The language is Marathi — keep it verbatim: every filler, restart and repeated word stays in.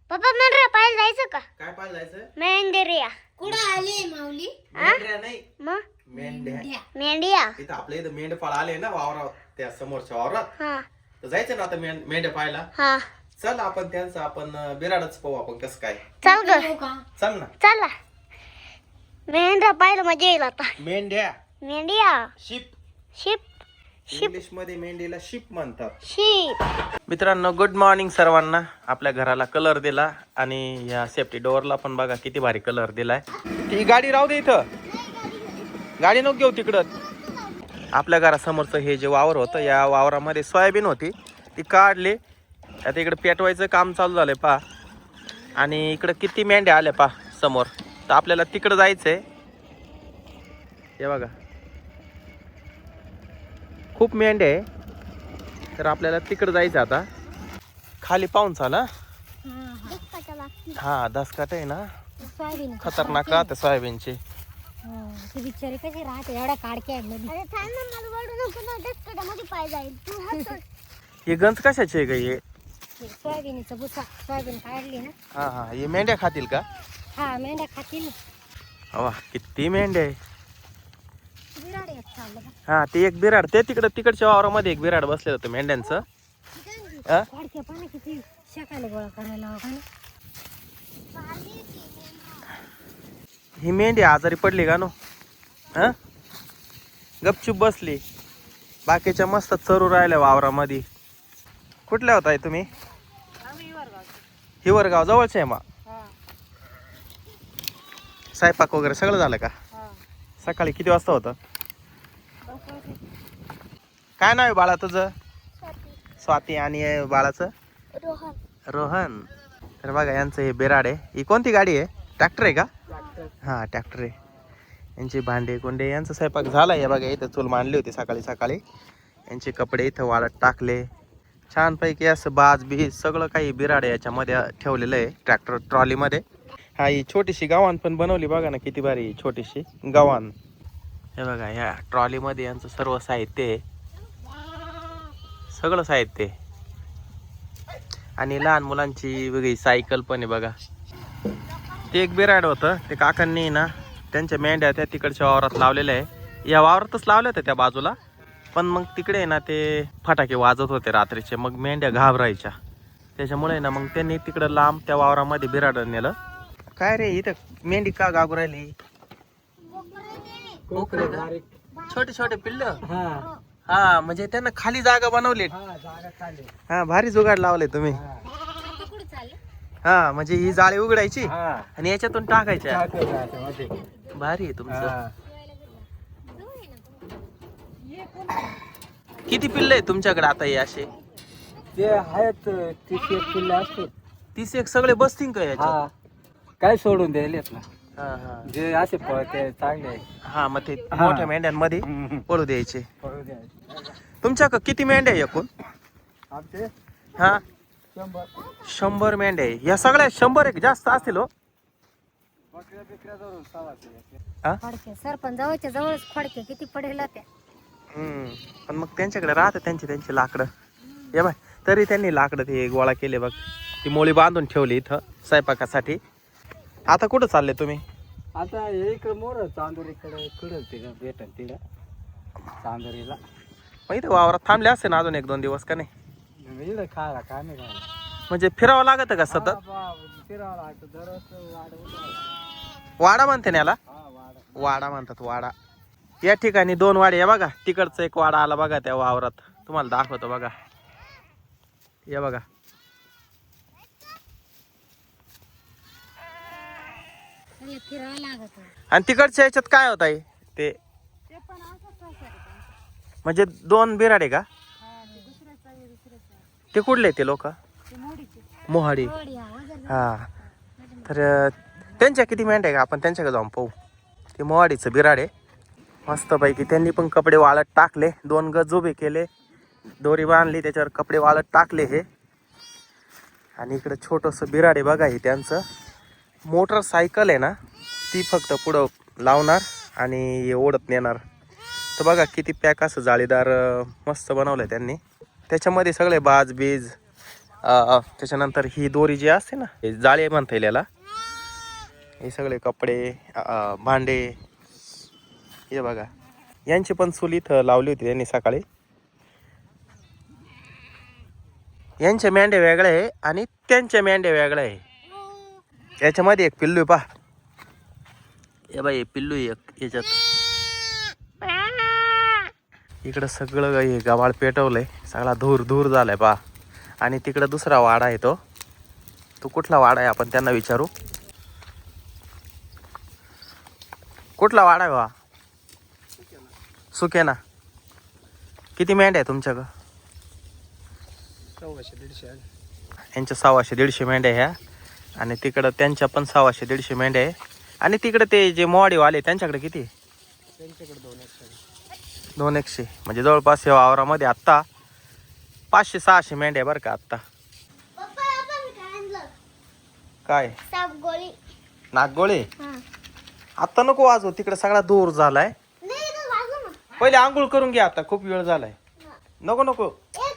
पप्पा मेंढरा पाहायला जायचं का? काय पाहायला जायचं? मेंढरिया. कुठं आले माऊली? मेंढ्या नाही, मग मेंढ्या. मेंढिया. इथं आपल्या इथं मेंढपाळ आले ना वावरात, त्या समोरच्या वावरात. हा तर जायचं ना आता मेंढ मेंढ्या पाहायला. हा चल आपण त्यांचं आपण अं, बिराडच पाहू आपण कसं काय. चल ग येऊ का? चल ना. चला. मेंढरा पाहायला मजा येईल आता. मेंढ्या, मेंढिया. शिप. शिप. इंग्लिश मध्ये मेंढीला शिप म्हणतात. शिप. मित्रांनो, गुड मॉर्निंग सर्वांना. आपल्या घराला कलर दिला आणि या सेफ्टी डोअरला पण बघा किती भारी कलर दिलाय. ही गाडी राहू दे इथं, गाडी नको घेऊ तिकडं. आपल्या घरासमोरचं हे जे वावर होतं, या वावरामध्ये सोयाबीन होती, ती काढली. आता इकडे पेटवायचं काम चालू झालंय पा. आणि इकडं किती मेंढ्या आल्या पा समोर. तर आपल्याला तिकडं जायचंय. हे बघा खूप मेंढ्या आहे, तर आपल्याला तिकडं जायचं आता. खाली पाहून चाला. हा दसकाट आहे ना, सोयाबीन खतरनाक राहते सोयाबीनची. ती बिचारी कशी राहते एवढ्या काडक्या आहेत मध्ये. अरे थांब ना, मला वळू नको ना, डस्कटामध्ये पाय जाईल. तू हात सोड. हे गंज कशाचे आहे ग हे? ते सोयाबीनचं भुसा, सोयाबीन काढली ना. हा हा हे मेंढ्या खातील का? हा मेंढ्या खातील. वा किती मेंढ्या आहे. बिराड एक चाललं का? हा ते एक बिराड, ते तिकडं तिकडच्या वावरामध्ये एक बिराड बसलेलं होतं मेंढ्यांचं. हा? काडक्या पाना किती शेकायला गोळा करायला हवा का ना. ही मेंढी आजारी पडली का नो? हा गपचूप बसली, बाकीच्या मस्त चरू राहिल्या वावरामध्ये. कुठल्या होताय तुम्ही? हिवरगाव जवळचे आहे. मग स्वयंपाक वगैरे सगळं झालं का? सकाळी किती वाजता होतं? काय नाव आहे बाळा तुझं? स्वाती. आणि बाळाचं? रोहन. रोहन. तर बघा यांचं हे बिराड आहे. ही कोणती गाडी आहे? ट्रॅक्टर आहे का? हा ट्रॅक्टर आहे. यांचे भांडे कोंडे यांचा स्वयंपाक झाला आहे. बघा इथं चूल मांडली होती सकाळी सकाळी. यांचे कपडे इथं वाळत टाकले छानपैकी. असं बाज बीज सगळं काही बिराड याच्यामध्ये ठेवलेलं आहे ट्रॅक्टर ट्रॉलीमध्ये. हा ही छोटीशी गव्हाण पण बनवली बघा ना, किती भारी छोटीशी गव्हाण. हे बघा ह्या ट्रॉलीमध्ये यांचं सर्व साहित्य आहे, सगळं साहित्य आहे. आणि लहान मुलांची वेगळी सायकल पण आहे बघा. ते एक बिराड होतं, ते काकांनी ना त्यांच्या मेंढ्या त्या तिकडच्या वावरात लावलेल्या आहे. या वावरातच लावल्या होत्या त्या बाजूला, पण मग तिकडे ना ते फटाके वाजत होते रात्रीचे, मग मेंढ्या घाबरायच्या. त्याच्यामुळे ना मग त्यांनी तिकडं लांब त्या वावरामध्ये बिराड नेलं. काय रे इथं मेंढी का गागू राहिली? छोटे छोटे पिल्ल. हा म्हणजे त्यांना खाली जागा बनवली. हा भारी जुगाड लावले तुम्ही. हा म्हणजे ही जाळी उघडायची आणि याच्यातून टाकायच्या. भारी आहे तुमचं. किती पिल्ल आहे तुमच्याकडे आता हे असे? ते आहेत तीस एक किल्ले असतो. तीस एक सगळे बसतील का याच्यात? काय सोडून द्यायलेत ना, हा हा जे असे पळते चांगले आहे. हा मग ते मोठ्या मेंढ्यांमध्ये पळू द्यायचे. पळू द्यायचे. तुमच्याकडे किती मेंढ्या आहे एकूण? आमचे हा शंभर शंभर मेंढ्या आहे. या सगळ्या शंभर एक जास्त असतील हो. बकऱ्या बिकऱ्या धरून सवाशे. हा खोडके सरपंच जवळच्या जवळच खोडके किती पडेल त्या. हम्म पण मग त्यांच्याकडे राहतं त्यांची त्यांची लाकडं. ये बाय तरी त्यांनी लाकडं ते गोळा केले बघ. ती मोळी बांधून ठेवली इथं स्वयंपाकासाठी. आता कुठं चालले तुम्ही? आता हे इकडे मोर चांदोरीकडे कडल तिला भेटल तिला चांदोरीला. मग इथं वावरात थांबले असते ना अजून एक दोन दिवस का नाही? इकडे खायला काय नाही खायला. म्हणजे फिरावं लागतं का सतत? फिरावं लागतं दररोज वाढ. वाडा म्हणते ना याला? हा वाढ. वाडा म्हणतात वाडा. या ठिकाणी दोन वाडे आहे बघा. तिकडचं एक वाडा आला बघा त्या वावरात, तुम्हाला दाखवतो बघा. या बघा फिरावं लागत. आणि तिकडच्या याच्यात काय होत आहे ते? म्हणजे दोन बिराडे का? ते कुठले ते लोक? मोहाडी. हा तर त्यांच्या किती मेंढ्या आहे का? आपण त्यांच्याकडे जाऊन पाहू. ते मोहाडीचं बिराड आहे मस्तपैकी. त्यांनी पण कपडे वाळत टाकले, दोन गज उभे केले, दोरी बांधली, त्याच्यावर कपडे वाळत टाकले हे. आणि इकडे छोटंसं बिराड आहे बघा. हे त्यांचं मोटरसायकल आहे ना, ती फक्त पुढं लावणार आणि हे ओढत नेणार. तर बघा किती पॅक असं जाळीदार मस्त बनवलं त्यांनी. त्याच्यामध्ये सगळे बाज बीज अ, त्याच्यानंतर ही दोरी जी असते ना हे जाळे म्हणता येईल याला. हे सगळे कपडे अ, भांडे हे बघा. यांची पण चूल इथं लावली होती त्यांनी सकाळी. यांच्या मेंढ्या वेगळ्या आहे आणि त्यांच्या मेंढ्या वेगळ्या आहे. याच्यामध्ये एक पिल्लू आहे पा. हे बाई पिल्लू आहे एक याच्यात. इकडं सगळं हे गव्हाळ पेटवलंय, सगळा धूर धूर झालाय पा. आणि तिकडं दुसरा वाडा आहे तो तो कुठला वाडा आहे आपण त्यांना विचारू. कुठला वाडा आहे बा? सुकेना. किती मेंढ्या आहे तुमच्याकडं? सव्वाशे दीडशे आहे. यांच्या सव्वाशे दीडशे मेंढ्या ह्या आणि तिकडं त्यांच्या पण सव्वाशे दीडशे मेंढ्या आहे. आणि तिकडे ते जे मोवाडीवाले त्यांच्याकडे किती? त्यांच्याकडे दोन एकशे दोन एकशे म्हणजे जवळपास या वावरामध्ये आत्ता पाचशे सहाशे मेंढ्या बरं का आत्ता. पप्पा आपण काय आणलं? काय साप गोळी. नागगोळे? हा. आत्ता नको वाजव, तिकडे सगळा दूर झालाय. नाही इथं वाजव ना. पहिले आंघोळ करून घ्या, आता खूप वेळ झालाय. नको नको ए